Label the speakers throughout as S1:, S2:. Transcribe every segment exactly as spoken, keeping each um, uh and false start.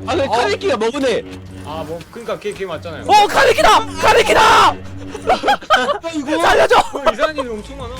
S1: 아, 그 카네키가 먹으네.
S2: 아, 뭐 그러니까 걔, 걔 맞잖아요.
S3: 어 카네키다! 카네키다!
S1: 이거
S3: 살려줘!
S2: 어, 이사님이 엄청 많아.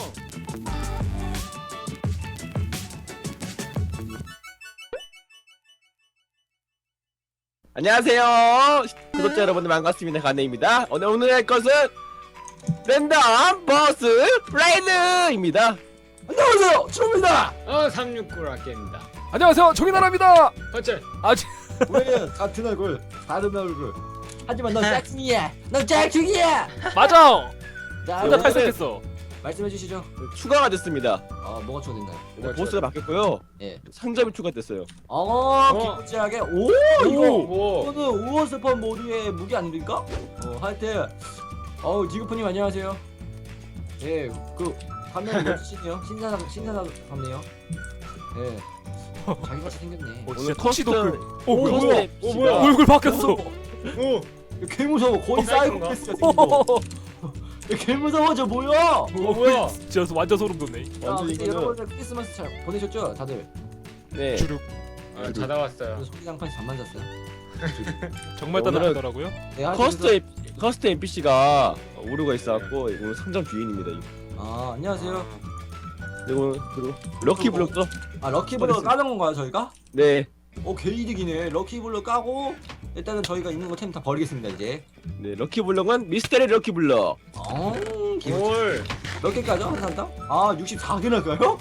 S1: 안녕하세요. 구독자 여러분들 반갑습니다. 가네입니다. 오늘 오늘 할 것은 랜덤 버스 라이드입니다. 안녕하세요. 추입니다.
S2: 어, 삼육구 라켓입니다.
S3: 안녕하세요 종이나라입니다.
S2: 어째?
S3: 아직
S4: 우리는 같은 얼굴, 다른 얼굴. 하지만 넌 짝퉁이야. 넌 짝퉁이야.
S3: 맞아.
S4: 자,
S3: 혼자
S1: 오늘은-
S3: 탈색했어.
S4: 말씀해 주시죠.
S1: 추가가 됐습니다.
S4: 어, 뭐가 추가된다.
S2: 뭐가
S1: 보스가 바뀌었고요.
S4: 예.
S1: 상점이 추가됐어요.
S4: 어,
S2: 어.
S4: 기쁘지하게. 오, 이거.
S2: 오.
S4: 이거는 우어 스펀 모드의 무기 아닙니까? 어, 하여튼. 어우, 지구프님 안녕하세요. 예, 그 화면 멋지시네요. 신사상 신사상 같네요. 예. 자기같이 생겼네.
S3: 어,
S1: 오늘
S3: 진짜 터치도
S1: 커스텀-
S3: 그. 어 뭐야?
S1: 뭐야?
S2: 어, 뭐야?
S3: 얼굴 바뀌었어.
S2: 오.
S4: 개 무서워. 거의
S2: 어,
S4: 사이코패스야 생긴 거. 개 무서워. 저 뭐야?
S2: 어, 뭐야?
S3: 진짜 완전 소름 돋네.
S4: 자,
S1: 완전
S4: 근데
S1: 이거는-
S4: 여러분들 크리스마스 잘 보내셨죠? 다들.
S1: 네.
S3: 주룩.
S2: 아, 자다 왔어요.
S4: 소리장판이 잠만 잤어요.
S3: 정말
S1: 오늘은-
S3: 따뜻하더라고요.
S4: 네, 하여튼
S1: 커스트 에- 커스트 엔피씨가 오류가 있어갖고 오늘 상점 주인입니다. 이거.
S4: 아, 안녕하세요.
S1: 그리고 그리고 럭키 블록도
S4: 아, 럭키블럭
S1: 어딨어?
S4: 까는 건가요, 저희가?
S1: 네.
S4: 어, 개이득이네. 럭키블럭 까고 일단은 저희가 있는 거 템 다 버리겠습니다, 이제.
S1: 네 럭키 블록은 미스테리 럭키 블록.
S4: 어, 기분
S2: 뭘?
S4: 몇 개까죠? 한 사람? 아, 육십사 개나 가요?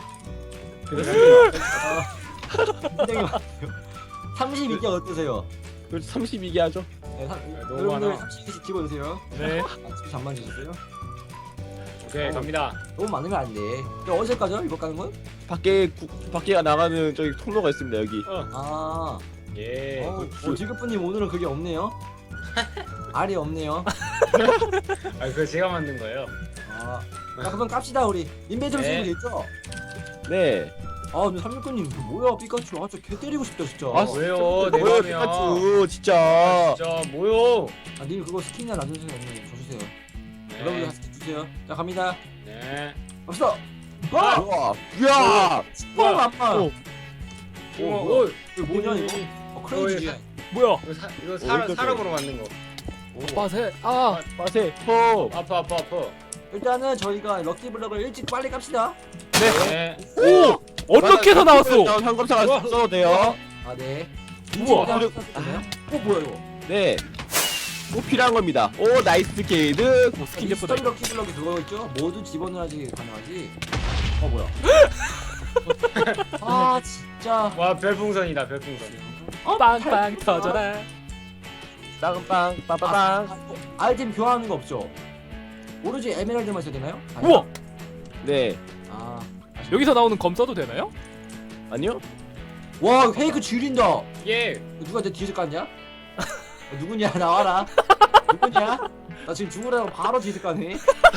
S4: 아, 굉장히 많아요. 삼십이 개 어떠세요?
S1: 그 삼십이 개 하죠.
S4: 네, 사,
S2: 너무
S4: 여러분들
S2: 많아.
S4: 삼십 개씩 집어주세요.
S3: 네.
S4: 아침 잠만 주세요.
S2: 오케이, 갑니다.
S4: 너무 많으면 안 돼. 이거 어디서 까죠? 이거 까는 건?
S1: 밖에 구, 밖에 나가는 저기 통로가 있습니다. 여기.
S2: 어.
S4: 아,
S2: 예.
S4: 어, 어, 지급분님 오늘은 그게 없네요. 알이 없네요.
S2: 아, 그거 제가 만든 거예요.
S4: 아, 자, 그럼 깝시다 우리. 인벤토리
S2: 네.
S4: 쓰고 있죠?
S1: 네.
S4: 아, 근데 삼육구님 그 뭐야 피카츄? 아, 저 개 때리고 싶다 진짜.
S1: 아,
S2: 왜요? 내
S1: 뭐야
S2: 맘이야.
S1: 피카츄
S2: 아,
S1: 진짜.
S2: 진짜 뭐요?
S4: 아, 님 그거 스킨이나 놔주세요. 님, 저 주세요.
S2: 네.
S4: 여러분들 스킨 주세요. 자, 갑니다.
S2: 네.
S4: 갑시다.
S1: 와,
S4: 와,
S1: 야,
S4: 뻥 아빠.
S1: 어.
S4: 어,
S2: 오,
S4: 뭐야?
S2: 오,
S4: 이거 뭐냐 이거? 어, 크레이지.
S2: 어,
S3: 뭐야?
S2: 이거 사, 이거 사람
S1: 어이구,
S2: 사람으로 만든 거.
S3: 빠세. 아.
S1: 빠세, 호.
S2: 아파 아파 아파.
S4: 일단은 저희가 럭키블럭을 일찍 빨리 깝시다.
S2: 네.
S3: 오. 어떻게 해서 나왔어?
S1: 상검사가
S2: 우와.
S1: 써도 돼요.
S4: 아, 네.
S3: 우와.
S4: 아, 어, 뭐야 이거?
S1: 네. 꼭 필요한 겁니다. 오, 나이스 게이드.
S3: 오, 스킨 예쁘다.
S4: 스토리 럭키블럭이 그거 있죠? 모두 집어넣어야지 가능하지. 어, 뭐야? 아, 진짜.
S2: 와, 별풍선이다 별풍선.
S4: 어,
S3: 빵빵
S4: 팔-
S3: 터져라.
S1: 빵빵,
S4: 아,
S1: 빠빠빵.
S4: 아, 이거 아이템 교환하는 거 없죠? 오로지 에메랄드만 써야 되나요? 아니요?
S3: 우와.
S1: 네.
S4: 아,
S3: 여기서 나오는 검 써도 되나요?
S1: 아니요?
S4: 와 페이크 줄인다.
S2: 예.
S4: 누가 내 뒤에서 깠냐? 야, 누구냐 나와라. 누구냐? 나 지금 죽으라고 바로 뒤에서 까네.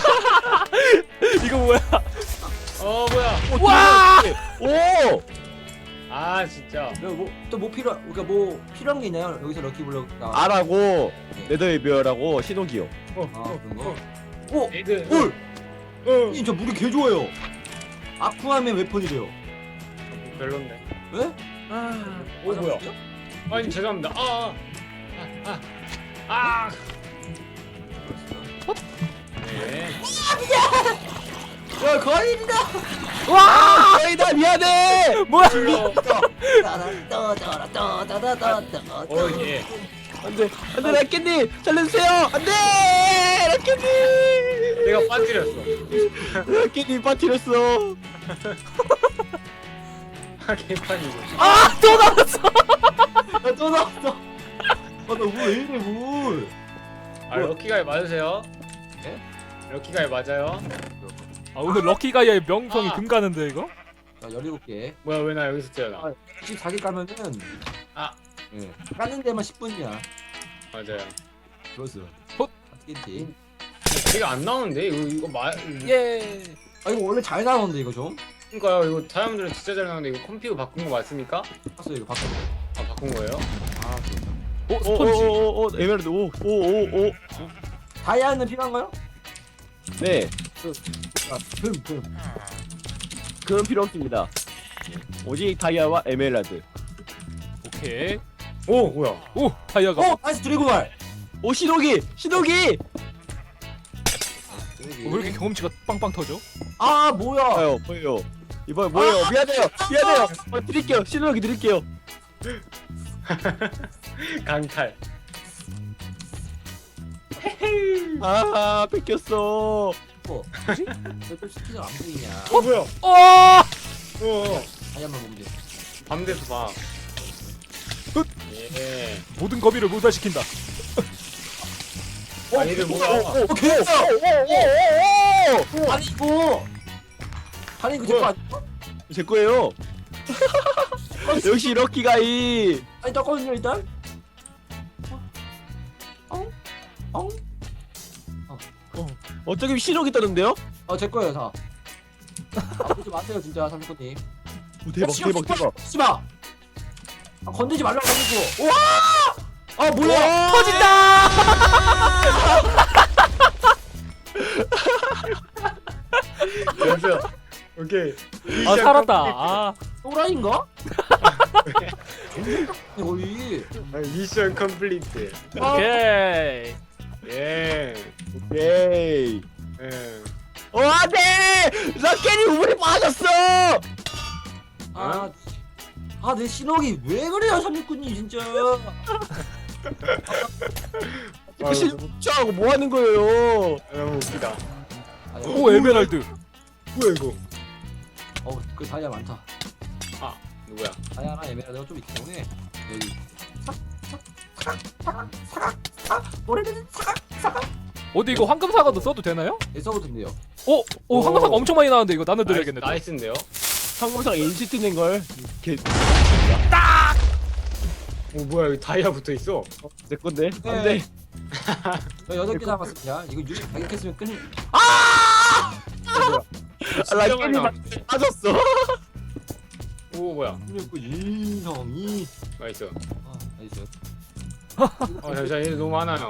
S3: 이거 뭐야?
S2: 어 뭐야?
S3: 와!
S1: 오!
S2: 아 진짜.
S4: 뭐또 뭐 필요 그러니까 뭐 필요한 게 있나요? 여기서 럭키블럭 나.
S1: 알하고
S4: 네.
S1: 네더의 별하고 신호기요.
S2: 어.
S4: 아
S2: 어.
S4: 그런 거.
S2: 어.
S4: 오,
S2: 에이드.
S4: 올.
S2: 어.
S4: 이 저 물이 개 좋아요. 아쿠아맨 웨폰이래요.
S2: 별론데.
S4: 왜?
S2: 아. 오 뭐야? 아니 죄송합니다. 아. 아. 아. 아. 아. 네.
S4: 야 거인이다.
S1: 와! 아니다 미안해.
S3: 뭐야?
S2: 어 예.
S1: 안돼, 안돼 라켓님 살려주세요. 안돼, 라켓님.
S2: 내가 빠뜨렸어.
S1: 라켓님 빠뜨렸어.
S2: 아 개판이고.
S3: 아, 또 나왔어.
S4: 야또 나왔어. 아나물왜 이래 물?
S2: 아 럭키가이 맞으세요?
S4: 예?
S2: 럭키가이 맞아요?
S3: 아, 오늘 럭키가이의 명성이
S2: 아.
S3: 금가는데 이거?
S4: 자 열일곱 개.
S2: 뭐야 왜 나 여기서 째나?
S4: 아, 육십사 개 까면은
S2: 아.
S4: 예. 까는 데만 십 분이야.
S2: 맞아요.
S4: 그렇어.
S3: 헛.
S4: 맞겠지.
S2: 이거 안 나오는데 이거 이거 마.
S3: 예.
S4: 아 이거 원래 잘 나오는데 이거 좀.
S2: 그러니까요 이거 사람들은 진짜 잘 나오는데 이거 컴퓨터 바꾼 거 맞습니까?
S4: 봤어 이거 바꿔.
S2: 아 바꾼 거예요?
S4: 아 좋다.
S3: 오, 스펀지.
S1: 오오오오 에메랄드 오오오 오.
S4: 다이아는 필요한가요?
S1: 네,
S4: 아, 금, 금.
S1: 그건 필요 없습니다. 오직 다이아와 에메랄드.
S3: 오케이.
S2: 오 뭐야?
S3: 오 다이아가.
S4: 어 나이스 드래곤알.
S1: 오 신호기 신호기.
S3: 어, 왜 이렇게 경험치가 빵빵 터져?
S4: 아 뭐야?
S1: 아요 뭐예요? 이번 뭐예요? 미안해요 미안해요. 어, 드릴게요 신호기 드릴게요.
S2: 강탈.
S1: 아 뺏겼어.
S4: 어 뭐지? 왜또 스키가 안 보이냐?
S2: 어 뭐야?
S3: 어!
S2: 어.
S4: 다이아만 보면 돼.
S2: 밤 돼서 봐.
S3: 훗!
S2: 예.
S3: 모든 거미를 무사시킨다.
S2: 아니들 뭐야?
S4: 어 개했어.
S1: 오오오오오.
S4: 아니 이거. 아니 이거 제거 아니야?
S1: 제 거예요. 역시 럭키가이.
S4: 아니 떴거든요 일단. 어? 어?
S1: 어떻게 신호기 떠는데요?
S4: 어제 거예요 다. 아 보지 마세요 진짜 삼촌님.
S1: 오, 대박 대박 대박.
S4: 씨발. 아 건들지 말라고 하고. 우와! 아 뭐야?
S1: 와!
S3: 터진다!
S2: 여기서 오케이.
S3: 아 살았다. 아
S4: 또라이인가? 거의.
S2: 아, 미션 컴플리트.
S3: 오케이.
S2: 예.
S1: 오케이.
S2: 예.
S1: 어 안돼. 럭키니 우물에 빠졌어.
S4: 아, 아, 내 신호기 왜 그래요, 삼육군님 진짜.
S2: 아,
S1: 신호하고 뭐 하는 거예요?
S2: 너무 웃기다.
S4: 아니,
S3: 오 에메랄드.
S2: 뭐야 이거?
S4: 어, 그 다이아 많다.
S2: 아 누구야?
S4: 다이아랑 에메랄드가 좀 있기 때문에 여기 삭, 삭, 사각, 사각, 사각, 사각, 오래된 사각, 사각.
S3: 어디 이거 황금 사과도 써도 되나요?
S4: 예, 써도 된대요.
S3: 오, 오 황금 사과
S2: 오.
S3: 엄청 많이 나왔는데 이거 나눠드려야겠네. 또.
S2: 나이스인데요?
S1: 항공상 인시트 낸 걸. 개.
S2: 오 뭐야 여기 다이아 붙어 있어?
S1: 내 건데.
S4: 네.
S1: 안돼.
S4: 저 여덟 개 남았습니다. 이거 유리 가격했으면 끊을.
S1: 럭키니 빠졌어.
S2: 오 뭐야?
S4: 그리고 인성이.
S2: 나이스.
S4: 아, 나이스.
S2: 아 잠시만 얘 너무 많아요.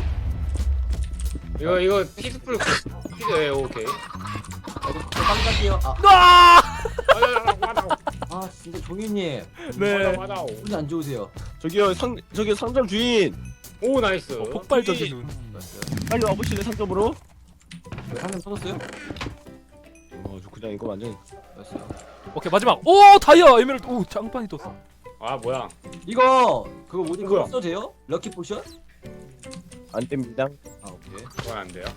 S2: 이거 이거 피스풀 피드 예 오케이.
S4: 아, 이거 저 빨리 갈게요. 아,
S3: 아!
S2: 맞아 맞아
S4: 아, 진짜 종이님
S3: 네.
S2: 맞아 맞아.
S4: 운이 안 좋으세요.
S1: 저기요 상 저기 상점 주인.
S2: 오 나이스.
S3: 어, 폭발적인 눈.
S4: 맞어요.
S1: 빨리 와보실래 상점으로?
S4: 한명 터졌어요?
S1: 어, 저 그냥 이거 완전.
S4: 맞어요.
S3: 오케이 마지막. 오 다이아 에메랄드. 오 장판이 떴어.
S2: 아 뭐야?
S4: 이거 그거 뭐지? 그거
S2: 뭐야?
S4: 써도 돼요? 럭키 포션?
S1: 안 됩니다.
S4: 아, 오케이.
S2: 그건 안 돼요.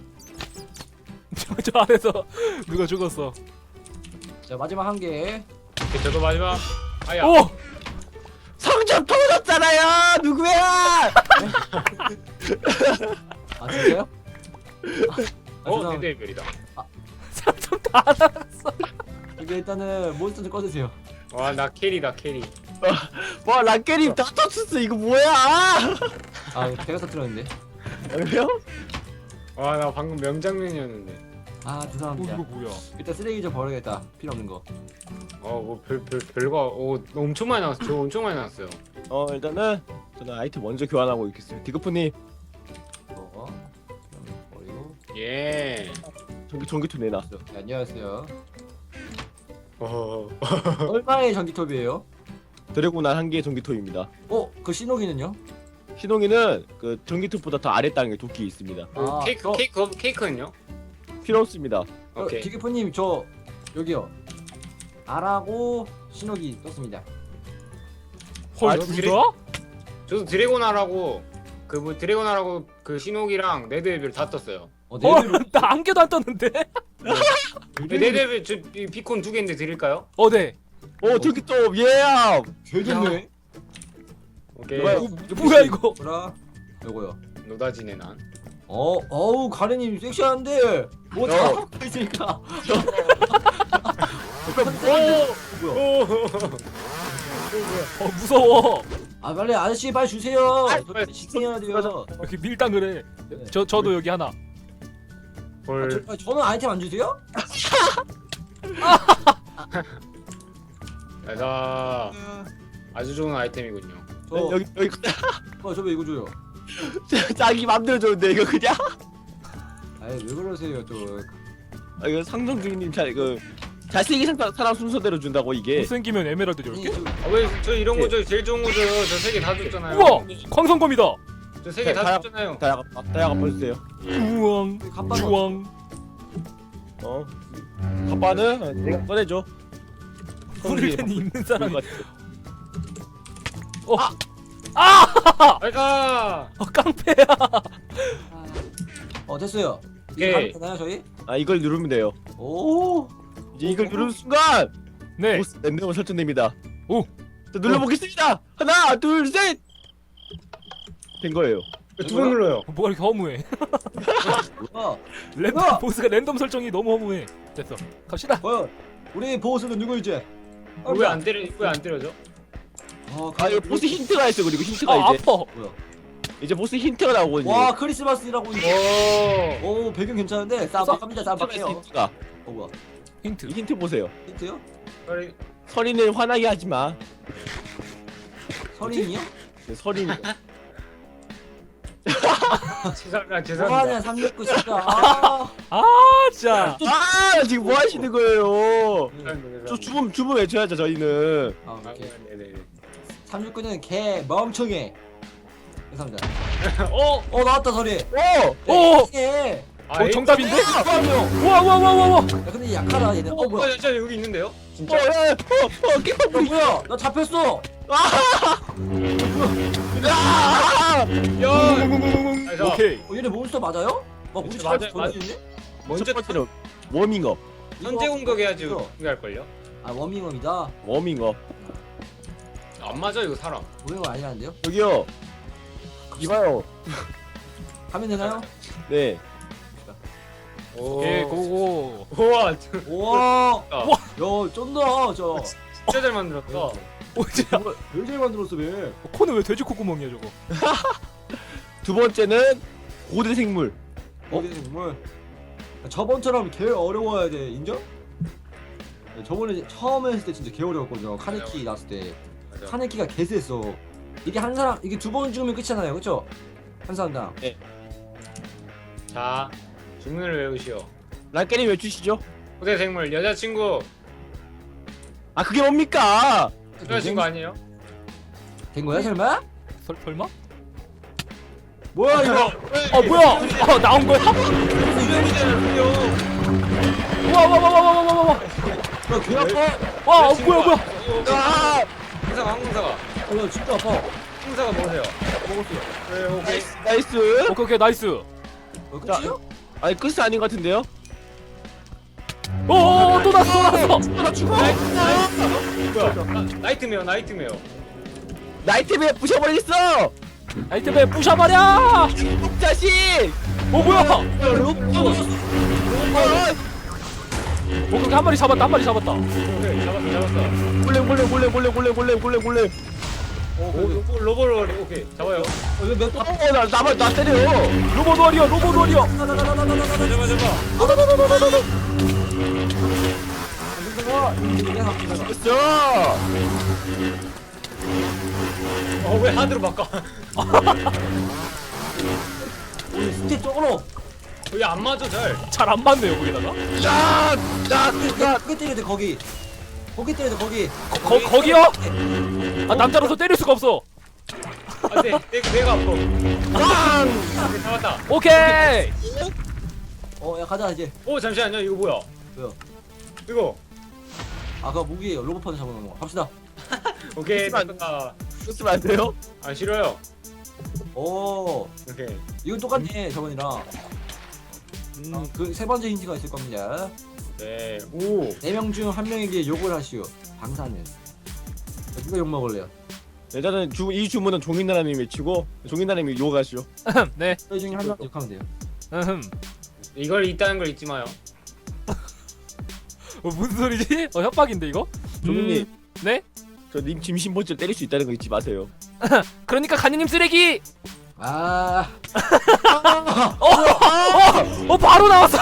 S3: 저, 저 안에서 누가 죽었어.
S4: 자, 마지막 한 개.
S2: 오케이, 저도 마지막. 아야.
S3: 오!
S1: 상점 터졌잖아요. 누구야?
S4: 아, 진짜요? 아,
S2: 어
S4: 죄송합니다.
S2: 대대별이다.
S3: 삼점 다 나갔어.
S4: 이게 일단은 몬스터 좀 꺼주세요.
S2: 와 나 캐리다 캐리.
S1: 와 락게님 다 터졌어. 이거 뭐야?
S4: 아, 이거 제가 터뜨렸는데.
S1: 왜요?
S2: 와 나 방금 명장면이었는데.
S4: 아,
S3: 오
S4: 죄송합니다.
S3: 이거 뭐야?
S4: 일단 쓰레기 좀 버려야겠다. 필요 없는 거.
S2: 어뭐 별 별 별거 오 엄청 많이 나왔어. 저 엄청 많이 나왔어요.
S1: 어 일단은 저는 아이템 먼저 교환하고 있겠습니다. 디그프님
S4: 이거 버리고.
S2: 예.
S1: 전기 전기톱 내놨어.
S4: 네, 안녕하세요.
S2: 어.
S4: 얼마의 전기톱이에요?
S1: 드래곤알 한 개의 전기톱입니다.
S4: 어, 그 신호기는요?
S1: 신홍이는 그 전기톱보다 더 아래 땅에 도끼 있습니다.
S4: 아,
S2: 케이크
S4: 저-
S2: 케이크 케이크는요?
S1: 필요 없습니다.
S2: 오케이.
S4: 어, 기계포님 저 여기요. 알하고 신호기 떴습니다.
S3: 헐
S2: 아,
S3: 둘
S2: 그래?
S3: 다?
S2: 저도 드래곤하라고 그 뭐 드래곤하라고 그 신호기랑 네드웨벨 다 떴어요.
S4: 어,
S3: 헐,
S4: 네이버로
S3: 나 한 개도 안 떴는데?
S2: 네, 네드웨벨 저 이 비콘 두 개인데 드릴까요?
S3: 어, 네.
S1: 오 전기톱 예.
S4: 되겠네.
S2: 오케이.
S1: 뭐야?
S3: 어, 뭐야 이거?
S4: 뭐라? 요거요.
S2: 노다지네 난.
S4: 어, 어우 가래님 섹시한데 뭐
S1: 어.
S4: 잘하고 있으니까.
S2: 오.
S4: 뭐야?
S2: 오.
S3: 어, 무서워.
S4: 아 빨리 아저씨 빨리 주세요.
S1: 아,
S4: 저 집중해야 돼요.
S3: 이렇게 밀당을 해. 저 저도 여기 하나.
S4: 아,
S2: 헐.
S4: 저, 아, 저는 아이템 안 주세요?
S2: 자, 아주 좋은 아이템이군요.
S4: 저,
S1: 네, 여기 여기
S4: 어, 저왜 이거 줘요?
S1: 자기 맘대로 줬는데 이거 그냥.
S4: 아이 왜 그러세요 저?
S1: 아 이거 상점 주인님 잘그 잘생긴 사- 사람 순서대로 준다고 이게.
S3: 못생기면 에메랄드 열
S4: 아니,
S3: 개?
S4: 저-
S2: 아, 왜 저 이런 거죠? 제일 좋은 거죠. 저 세 개 다 줬잖아요.
S3: 우와! 광선검이다!
S2: 저 세 개 다
S1: 다-
S2: 줬잖아요.
S1: 다야가 다야가 보여주세요.
S3: 우왕
S4: 갑바
S3: 주왕
S1: 어. 갑바는 내가 꺼내줘.
S3: 후르겐이 입는 사람이
S1: 같아.
S3: 어! 아!
S2: 아이가.
S3: 어, 깡패야!
S4: 어 됐어요.
S2: 오케이.
S4: 이제 가면 되나요 저희?
S1: 아 이걸 누르면 돼요.
S4: 오.
S1: 이제 이걸 누르는 순간
S3: 네
S1: 보스 랜덤으로 설정됩니다.
S3: 오.
S1: 자, 눌러보겠습니다. 하나, 둘, 셋. 된 거예요.
S2: 두 번 눌러요.
S3: 어, 뭐가 이렇게 허무해
S4: 어.
S3: 랜덤
S4: 뭐야?
S3: 보스가 랜덤 설정이 너무 허무해 됐어 갑시다
S4: 과연 우리 보스는 누구일지?
S2: 왜 안 때려? 왜 안 때려져?
S4: 어,
S1: 아 이거 보스 힌트가 있어. 그리고 힌트가
S3: 아
S1: 이제
S3: 아파
S4: 뭐야?
S1: 이제 보스 힌트가 나오거든요.
S4: 와 크리스마스라고 있네.
S2: 오.
S4: 오 배경 괜찮은데 쌈박합니다 쌈박해요.
S1: 힌트가.
S4: 어 뭐야?
S3: 힌트
S1: 이 힌트 보세요.
S4: 힌트요?
S2: 빨리.
S1: 서린을 화나게 하지 마.
S4: 서린이요?
S1: 네, 서린.
S2: 죄송합니다.
S4: 뭐하냐
S2: 죄송합니다.
S4: 삼육구 진짜. 아.
S3: 아 진짜
S1: 아 지금 뭐 하시는 거예요?
S2: 죄송합니다.
S1: 저 주문 주문 외쳐야죠 저희는.
S4: 아
S2: 아,
S4: 오케이.
S2: 네네.
S4: 삼육구는 개 멍청해. 죄송합니다.
S2: 어.
S4: 어 나왔다 서리.
S1: 오.
S3: 오!
S4: 예.
S2: 아,
S3: 어 정답인데?
S4: 야
S3: 우와 우와 우와 우와 우와
S4: 근데 약하다 얘네. 어
S2: 어,
S4: 뭐야?
S2: 뭐야? 진짜 여기 있는데요?
S1: 어,
S2: 진짜?
S1: 야, 어, 어, 깨끗
S4: 야 뭐야? 나 잡혔어.
S1: 아!
S2: 야. 아니, 저
S3: 오케이
S4: 어 얘네 몬스터 맞아요? 어 우리
S2: 맞아요,
S4: 잘
S2: 맞아요.
S4: 던지네?
S2: 먼저
S1: 첫 번째는 워밍업.
S2: 현재 공격해야지
S4: 이거.
S2: 공격할 걸요?
S4: 아 워밍업이다.
S1: 워밍업.
S2: 안 맞아 이거 사람.
S4: 워밍업 아니라는데요?
S1: 여기요. 이봐요.
S4: 가면 되나요?
S1: 네.
S2: 오.
S3: 오케이 고고
S2: 우와.
S4: 우와.
S2: 아.
S4: 야 쩐다 저.
S2: 진짜 잘 만들었다.
S3: 오 진짜
S4: 왜 잘 만들었어 왜?
S3: 어, 코는 왜 돼지 콧구멍이야 저거
S1: 두 번째는 고대 생물.
S4: 어? 정말 저번처럼 개 어려워야 돼 인정? 네, 저번에 처음 했을 때 진짜 개 어려웠거든요. 카네키 나왔을 때
S2: 맞아.
S4: 카네키가 개 셌어. 이게 한 사람 이게 두 번 죽으면 끝이잖아요, 그렇죠? 한 사람당.
S2: 자, 주문을 외우시오.
S1: 랑깨님 외주시죠.
S2: 고대 생물 여자친구.
S1: 아 그게 뭡니까?
S2: 여자친구 아니에요?
S4: 된 거야 설마?
S3: 설, 설마?
S4: 뭐야 이거?
S3: 아 뭐야 아 나온 거야?
S2: 이름이잖아요.
S3: 우와 우와 우와 우와 우와 우와
S4: 야개 아파.
S3: 와 어, 뭐야 뭐야
S1: 아!
S2: 항사가 항사가.
S4: 어, 야 진짜 아파.
S2: 항사가 뭐세요?
S4: 먹었어요.
S2: 네, 오케이.
S1: 나이스.
S3: 오케이 오케이 나이스
S4: 어, 끝이요?
S1: 아니 끝이 아닌 것 같은데요?
S3: 오또 났어 또 났어
S1: 나 죽어.
S2: 뭐야? 나, 나이트메어 나이트메어.
S1: 나이트메어 부셔버리겠어.
S3: 아이템에 부셔버려
S1: 자식.
S3: 어 뭐야
S1: 어,
S3: 오 그렇게 한 마리 잡았다 한 마리 잡았다
S2: 오케이 잡았어 잡았어.
S1: 몰래 몰래 몰래 몰래 몰래 몰래 몰래 몰래.
S2: 오, 로봇 로봇 오케이 잡아요.
S4: 왜몇 번?
S1: 어나 나만 나 때려.
S3: 로봇 워리어 로봇 워리어
S2: 잡아 잡아.
S1: 됐어.
S2: 어왜 하드로 바꿔?
S4: 우리 스텝 쪽으로.
S2: 여기 안 맞아 잘.
S3: 잘 안 맞네요 거기다가
S1: 야, 나, 나.
S4: 거기 때려야 돼 거기. 거기 때려야 돼 거기.
S3: 거, 거기요? 아 남자로서 때릴 수가 없어
S2: 안돼 내 내가 아파.
S1: 빵.
S2: 오케이, 잡았다.
S3: 오케이
S4: 어야 가자 이제.
S2: 오 잠시만요 이거 뭐야?
S4: 왜요?
S2: 이거
S4: 아까 무기예요. 로봇판을 잡아놓은 거. 갑시다.
S2: 오케이
S1: 잠시만.
S2: 됐다.
S1: 쓰면 안 돼요?
S2: 아 싫어요.
S4: 오
S2: 오케이.
S4: 이건 똑같네 저번이랑.
S1: 음.
S4: 그 세 번째 힌트가 있을 겁니다.
S2: 네. 오.
S4: 네 명 중 한 명에게 욕을 하시오. 방사는. 누가 욕 먹을래요?
S1: 일단은 주, 이 주문은 종인나라님 외치고 종인나라님이 요가시오.
S3: 네
S4: 저희 중에 한 명 욕하면 돼요.
S3: 음흠
S2: 이걸 있다는 걸 잊지 마요.
S3: 어, 무슨 소리지? 어 협박인데 이거?
S1: 종인님,
S3: 음, 네?
S1: 저 님 짐신보질 때릴 수 있다는 거 잊지 마세요.
S3: 그러니까 간이님 쓰레기!
S4: 아
S3: 어, 어, 어 바로 나왔어!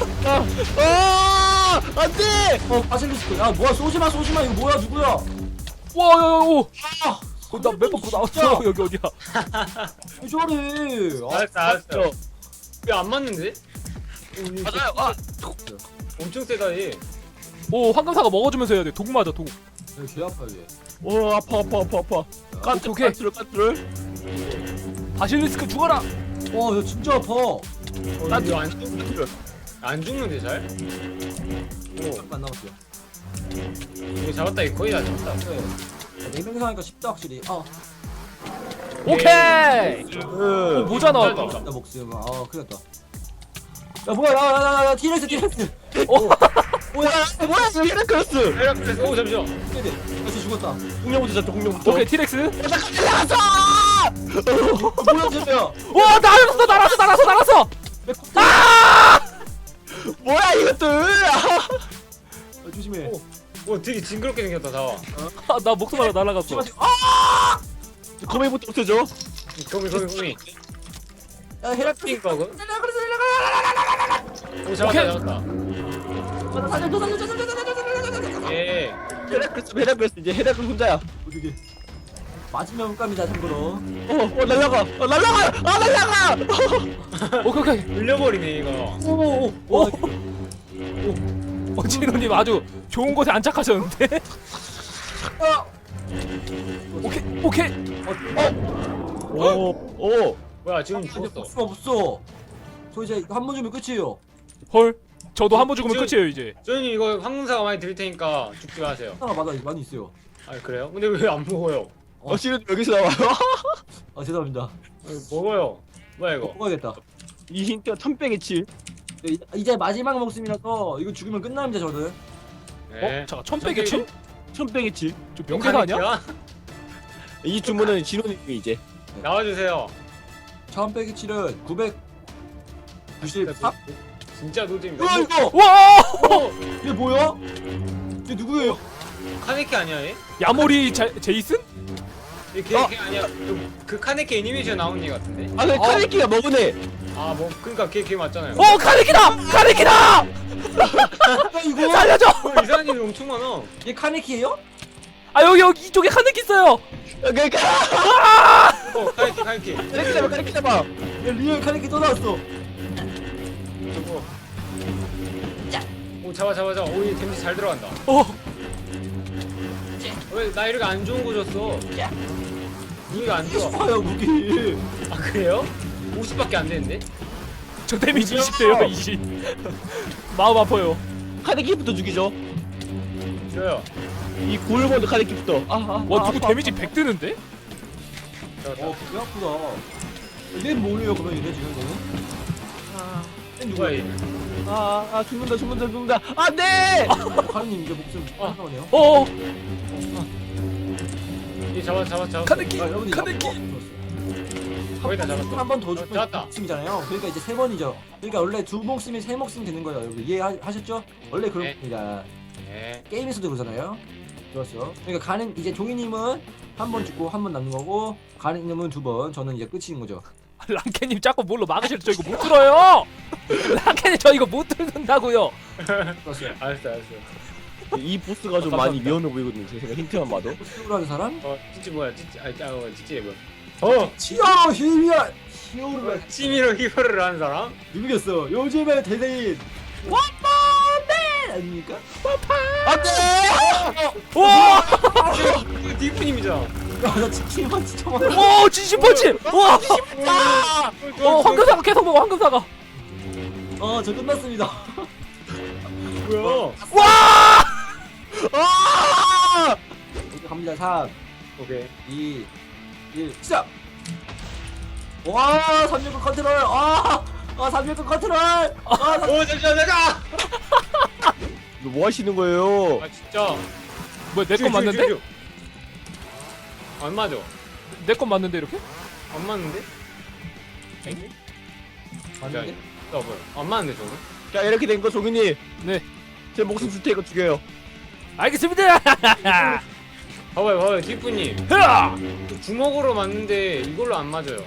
S1: 아, 안돼!
S4: 어, 바실리스크. 야, 뭐야, 쏘지마, 쏘지마. 이거 뭐야, 누구야?
S3: 와, 야, 야, 오!
S4: 아,
S3: 어, 나몇 번 나왔어. 여기 어디야?
S4: 왜 저래? 아,
S2: 알았어 알았어. 왜안 맞는데?
S1: 맞아요. 아,
S2: 엄청 세다 얘.
S3: 오 황금사가 먹어주면서 해야 돼. 독 맞아 독.
S4: 여기 개 아파 이게.
S1: 오 아파 아파 아파 아파. 까트
S3: 오케이.
S1: 까트를 까트를.
S3: 바실리스크 죽어라.
S4: 와, 이거 진짜 아파.
S2: 어,
S1: 까트
S2: 이거 안,
S1: 까트를.
S2: 안 죽는데 잘? 오,
S4: 안 남았어요.
S2: 이거 잡았다. 이거 거의 다 잡았다.
S4: 네. 네 명이서 하니까 쉽다 확실히. 아,
S3: 오케이.
S1: 그
S3: 모자 나왔다.
S4: 나 목숨. 아, 큰일 났다. 야, 뭐야, 나, 나, 나, 나, 티렉스, 티렉스.
S3: 오.
S1: 뭐야 뭐야 이거 헤라클레스.
S2: 헤라클레스. 오, 잠시만.
S4: 네, 네. 나 진짜 죽었다.
S1: 공룡부터 잡자 공룡부터.
S3: 오케이 티렉스.
S1: 나갔어.
S4: 뭐야, 진짜야.
S3: 와 날았어 날았어 날았어 날았어.
S4: 아!
S1: 뭐야 이것들.
S4: 아, 조심해.
S2: 오. 오, 되게 징그럽게 생겼다, 다와.
S3: 아, 나 목숨 하나 날아갔어.
S4: 아!
S1: 거미부터 없애줘.
S2: 거미, 거미, 거미.
S4: 야, 헤라클레스.
S2: 띵거그?
S4: 헤라클레스, 헤라클레스.
S2: 오, 잡았다,
S3: 오케이.
S2: 잡았다.
S4: 나 살려줘, 살려줘, 살려줘, 살려줘, 살려줘.
S2: 예.
S1: 헤라클레스 헤라클레스 이제 헤라클레스 혼자야.
S4: 어떻게? 맞으면 깜이다 참고로.
S1: 어, 어 날라가, 어 날라가, 아 날라가.
S3: 오케이 오케이.
S2: 물려버리네, 이거.
S4: 오오오.
S3: 오. 어 진호님 아주 좋은 곳에 안착하셨는데.
S4: 아!
S3: 오케이 오케이.
S1: 오, 오.
S2: 뭐야, 지금
S4: 이제
S2: 죽었어.
S4: 복수가 없어. 저 이제 한 번 주면 끝이에요.
S3: 헐. 저도 한 번 죽으면 끝이에요 이제.
S2: 저희님 이거 황금사가 많이 드릴 테니까 죽지 마세요.
S4: 하나 맞아 많이 있어요.
S2: 아, 그래요? 근데 왜 안 먹어요?
S1: 어, 실은 여기서 나와요.
S4: 아 죄송합니다.
S2: 아, 먹어요. 뭐야, 이거?
S4: 먹어야겠다.
S1: 이 힌트가 천백의 칠.
S4: 네, 이- 이제 마지막 목숨이라서 이거 죽으면 끝납니다 저는.
S2: 네.
S3: 어 잠깐 천백의 칠?
S1: 천백의 칠.
S3: 좀 명대사 아니야?
S1: 이 주문은 진호님이 이제.
S2: 나와주세요.
S4: 처음 빼기 칠은 구백구십삼?
S2: 진짜 노잼이다.
S4: 뭐야 이거?
S3: 와.
S2: 오!
S4: 이게 뭐야? 이게 누구예요?
S2: 카네키 아니야, 얘?
S3: 야모리 자, 제이슨?
S2: 얘 걔, 걔 아니야. 그, 그 카네키 애니메이션 나온 얘 같은데?
S1: 아, 그
S3: 어.
S1: 카네키가 먹으네.
S2: 아, 뭐, 그니까 걔, 걔 맞잖아요.
S3: 어 카네키다! 카네키다!
S4: 야 이거?
S3: 살려줘!
S2: 어, 이상한 일이 엄청 많아.
S4: 얘 카네키예요?
S3: 아 여기 여기 이쪽에 카네키 있어요.
S1: 그러니까
S2: 어, 카네키, 카네키.
S1: 카네키 잡아, 카네키 잡아.
S4: 야 리얼 카네키 또 나왔어.
S2: 저거. 오, 잡아, 잡아, 잡아. 오, 얘 데미지 잘 들어간다.
S3: 어.
S2: 왜 나 이렇게 안 좋은 거 줬어? 무기가 안 좋아.
S4: 봐요 무기.
S2: 아, 그래요? 오십밖에 안 되는데?
S3: 저 데미지 이십 대요 이십. 마음 아파요.
S1: 카네키부터 죽이죠.
S2: 줘요.
S1: 이 구울본드 카네키부터. 아, 아,
S3: 와
S1: 아,
S3: 누구
S1: 아파,
S3: 데미지
S1: 아파.
S3: 백 뜨는데?
S2: 잡았다.
S4: 어 그게 아프다. 얘 뭐예요 그러면 얘네 지금 얘는? 얘
S2: 누구야,
S4: 누구야?
S2: 얘?
S1: 아, 아 죽는다, 죽는다, 죽는다. 안 돼.
S4: 카네님 이제 목숨
S2: 아.
S4: 나오네요.
S3: 어.
S2: 얘 잡아, 잡아, 잡아.
S3: 카네키.
S4: 아, 여러분들
S3: 카네키.
S2: 거의 다 잡았어.
S4: 한번 더
S2: 어,
S4: 죽으면
S2: 잡았다.
S4: 목숨이잖아요. 그러니까 이제 세 번이죠. 그러니까 원래 두 목숨이 세 목숨 되는 거예요. 여러분 이해하셨죠? 원래 그런
S2: 네.
S4: 겁니다.
S2: 네.
S4: 게임에서도 그러잖아요. 좋았어. 그러니까 가는 이제 종이님은 한 번 죽고 한 번 남는 거고 가는님은 두 번. 저는 이제 끝인 거죠.
S3: 랑캐님 자꾸 뭘로 막으실 저 이거 못 들어요. 랑캐님 저 이거 못 듣는다고요.
S4: 좋았어요.
S2: 알았어, 알았어.
S1: 이 보스가 좀
S3: 아,
S1: 많이
S3: 감사합니다.
S1: 위험해 보이거든요. 제 생각 힌트만 봐도.
S4: 호스로 하는 사람?
S2: 어, 찌찌 뭐야, 찌찌. 아, 아, 어, 찌찌 뭐. 어!
S4: 치어 히미야 히어로가
S2: 치미로 히어로를 하는 사람?
S4: 누구겠어? 요즘의 대세인 원펀맨 아닙니까?
S1: 안돼.
S3: 와.
S2: 이거 디프님이잖아.
S4: 아나 치킨만 진짜 많아.
S3: 오 진심 펀치. 와.
S1: 아,
S3: 어 황금사가 계속 먹어 황금사가.
S4: 어저 끝났습니다.
S2: 뭐야?
S3: 와.
S1: 아!
S4: 이제 갑니다. 삼,
S2: 오케이.
S4: 이, 일 시작. 와 삼육구 컨트롤. 아, 아 삼육구 컨트롤. 아, 삼-
S2: 오, 잠시만, 잠깐!
S1: 이거 뭐 하시는 거예요?
S2: 아, 진짜.
S3: 뭐야 내 건 맞는데?
S2: 안 맞아.
S3: 내 건 맞는데 이렇게?
S2: 안 맞는데?
S4: 맞는데?
S2: 야, 뭐야? 안 맞는데, 저거?
S1: 자 이렇게 된 거 종이님.
S3: 네.
S1: 제 목숨 줄 테니까 죽여요.
S3: 알겠습니다.
S2: 봐봐요, 봐봐요, 디프님.
S3: 흐아!
S2: 주먹으로 맞는데 이걸로 안 맞아요.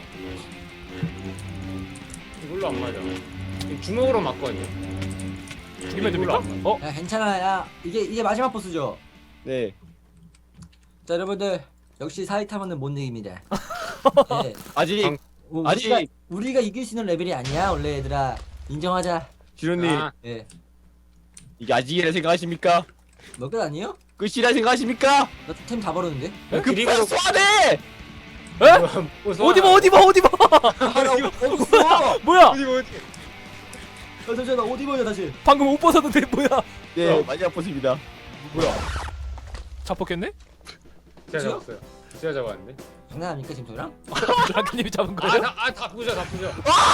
S2: 이걸로 안 맞아. 주먹으로 맞거든요.
S3: 죽이면
S2: 이걸로
S3: 됩니까?
S2: 안 맞아.
S3: 어?
S4: 야 괜찮아. 야 이게 이게 마지막 보스죠.
S1: 네.
S4: 자 여러분들 역시 사이타마는 못 이깁니다. 네.
S1: 아직
S2: 방-
S4: 뭐
S1: 아직-
S4: 우리가 우리가 이길 수 있는 레벨이 아니야 원래 얘들아. 인정하자.
S1: 지로님
S2: 아,
S4: 예.
S1: 이게 아직이라 생각하십니까?
S4: 몇 개 아니에요?
S1: 끝이라 생각하십니까?
S4: 나템 다 버렸는데.
S1: 그
S2: 그림으로-
S1: 소환해!
S3: 에?
S2: 뭐,
S3: 어디 봐 어디 봐 어디 봐.
S4: 아나 없어.
S3: 뭐야?
S2: 어디 뭐 어디?
S4: 어, 잠시만 나 옷 입어요 다시.
S3: 방금 옷 벗었는데 뭐야?
S1: 네
S2: 어.
S1: 마지막 보스입니다.
S2: 뭐야?
S3: 잡혔겠네?
S2: 제가
S4: 그치요?
S2: 잡았어요. 제가 잡았는데.
S4: 장난합니까 지금 저랑?
S3: 랑키님이 잡은 거예요?
S2: 아다아다 부셔 다 부셔.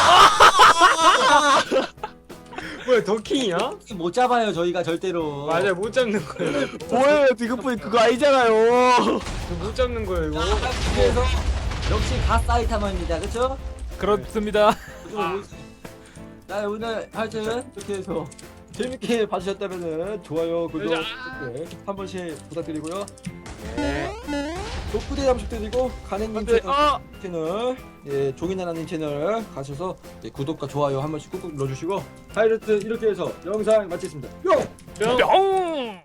S2: 뭐야 더킹이야?
S4: 이게 못 잡아요 저희가 절대로.
S2: 맞아요 못 잡는 거예요.
S1: 뭐예요 디그분이 그거 아니잖아요.
S2: 못 잡는 거예요 이거.
S4: 그래서 역시 가 사이타마입니다. 그렇죠?
S3: 그렇습니다.
S4: 자 오늘 하여튼 이렇게 해서 재밌게 봐주셨다면은 좋아요 구독
S2: 자.
S4: 댓글 한 번씩 부탁드리고요.
S2: 네.
S4: 독부대 감축드리고 가네님
S1: 안돼.
S4: 채널,
S1: 아
S4: 채널 예, 종이나나님 채널 가셔서 예, 구독과 좋아요 한 번씩 꾹꾹 눌러주시고 하여튼 이렇게 해서 영상 마치겠습니다. 뿅!
S2: 뿅.
S3: 뿅!